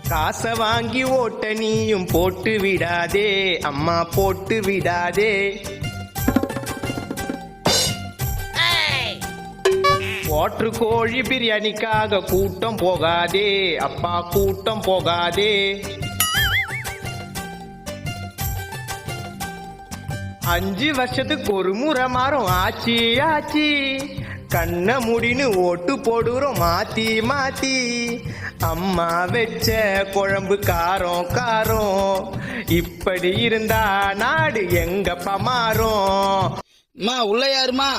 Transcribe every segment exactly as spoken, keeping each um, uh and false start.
காசை வாங்கி ஓட்ட நீயும் போட்டு விடாதே, அம்மா போட்டு விடாதே. ஓட்டு கோழி பிரியாணிக்காக கூட்டம் போகாதே, அப்பா கூட்டம் போகாதே. அஞ்சு வருஷத்துக்கு ஒரு முறை மாறும் ஆச்சி ஆச்சி, கண்ண முடின்னு ஓட்டு போடுறோம் மாத்தி மாத்தி. அம்மா வச்ச குழம்பு காரம் காரம், இப்படி இருந்தா நாடு எங்கப்பா மாறும். உள்ள யாருமா?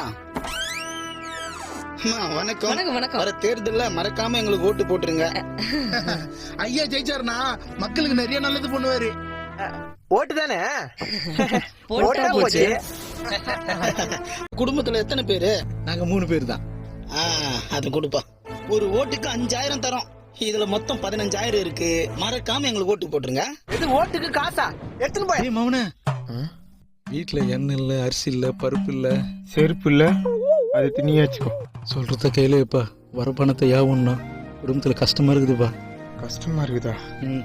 வணக்கம். வணக்கம் வணக்கம். வர தேர்தல்ல மறக்காம எங்களுக்கு ஓட்டு போட்டுருங்க. ஐயா ஜெயிச்சாருனா மக்களுக்கு நிறைய நல்லது பண்ணுவாரு. ஓட்டு தானே போச்சு. குடும்பத்துல எத்தனை பேரு? நாங்க மூணு பேர் தான். அது கொடுப்பா. ஒரு ஓட்டுக்கு அஞ்சாயிரம் தரோம். இதுல மொத்தம் பதினஞ்சாயிரம் இருக்கு. மறக்காம எங்களுக்கு ஓட்டு போட்டுருங்க. இது ஓட்டுக்கு காசா? எடுத்துன்னு போய். மௌன வீட்டுல எண்ணெய் இல்ல, அரிசி இல்ல, பருப்பு இல்ல, செருப்பு இல்ல, அது திணியா வச்சுக்கோ. சொல்றத கையில இப்ப வர பணத்தை யாவும்னா குடும்பத்துல கஷ்டமா இருக்குதுப்பா. கஷ்டமா இருக்குதா? ம்.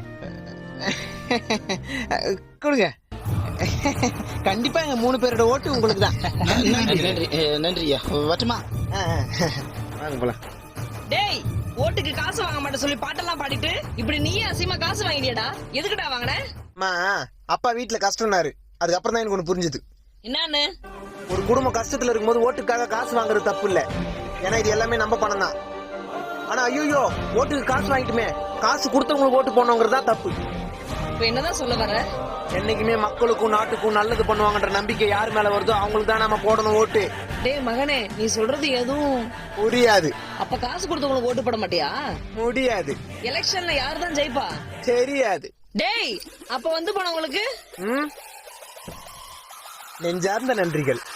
கொடுங்க. கண்டிப்பா எங்க மூணு பேரோட ஓட்டு உங்களுக்கு தான். நன்றி நன்றி நன்றியா. வட்டமா வாங்க போலாம். டேய், ஓட்டுக்கு காசு வாங்க மாட்டேன் சொல்லி பாட்டெல்லாம் பாடிட்டு இப்படி நீயே அசிமா காசு வாங்கிடியடா? எதுக்குடா வாங்கின? அம்மா, அப்பா வீட்டுல கஷ்டம்னாரு. அதுக்கப்புறம் தான் எனக்கு ஒண்ணு புரிஞ்சுது. என்னன்னு? ஒரு குடும்பம் கஷ்டத்துல இருக்கும்போது ஓட்டுக்காக காசு வாங்குறது தப்பு இல்ல. ஏன்னா இது எல்லாமே நம்ம பணம் தான். ஆனா ஐயோ, ஓட்டுக்கு காசு வாங்கிட்டுமே, காசு கொடுத்தவங்களுக்கு ஓட்டு போனவங்கிறது தான் தப்பு. இப்ப என்னதான் சொல்ல வர? என்னைக்குமே மக்களுக்கும் நாட்டுக்கும் நல்லது பண்ணுவாங்கன்ற நம்பிக்கை யார் மேல வருதோ அவங்களுக்கு தான் நம்ம போடணும் ஓட்டு. டேய் மகனே, நீ சொல்றது எதுவும் புரியாது. அப்ப காசு கொடுத்தவங்களுக்கு ஓட்டு போட மாட்டியா? முடியாது. எலெக்ஷன்ல யாரு தான் ஜெயிப்பா? தெரியாது. டேய், அப்ப வந்து போனவங்களுக்கு நெஞ்சார்ந்த நன்றிகள்.